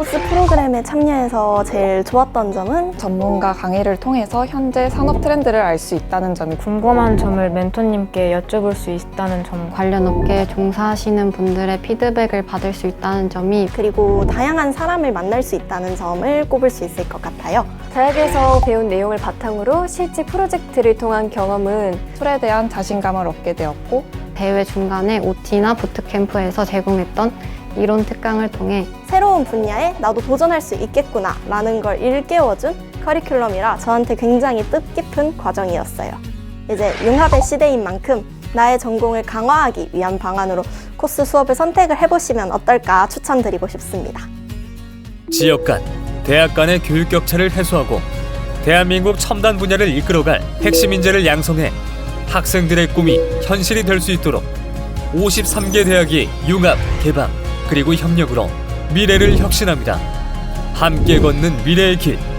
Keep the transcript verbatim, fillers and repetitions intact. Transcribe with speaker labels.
Speaker 1: 코스 프로그램에 참여해서 제일 좋았던 점은
Speaker 2: 전문가 강의를 통해서 현재 산업 트렌드를 알 수 있다는 점이
Speaker 3: 궁금한 점을 멘토님께 여쭤볼 수 있다는 점,
Speaker 4: 관련 업계에 종사하시는 분들의 피드백을 받을 수 있다는 점이
Speaker 1: 그리고 다양한 사람을 만날 수 있다는 점을 꼽을 수 있을 것 같아요.
Speaker 5: 대학에서 배운 내용을 바탕으로 실제 프로젝트를 통한 경험은
Speaker 2: 툴에 대한 자신감을 얻게 되었고
Speaker 4: 대회 중간에 오티나 부트캠프에서 제공했던 이론 특강을 통해
Speaker 1: 새로운 분야에 나도 도전할 수 있겠구나 라는 걸 일깨워준 커리큘럼이라 저한테 굉장히 뜻깊은 과정이었어요. 이제 융합의 시대인 만큼 나의 전공을 강화하기 위한 방안으로 코스 수업을 선택을 해보시면 어떨까 추천드리고 싶습니다.
Speaker 6: 지역 간, 대학 간의 교육 격차를 해소하고 대한민국 첨단 분야를 이끌어갈 핵심 인재를 양성해 학생들의 꿈이 현실이 될 수 있도록 오십삼 개 대학이 융합, 개방, 그리고 협력으로 미래를 혁신합니다. 함께 걷는 미래의 길.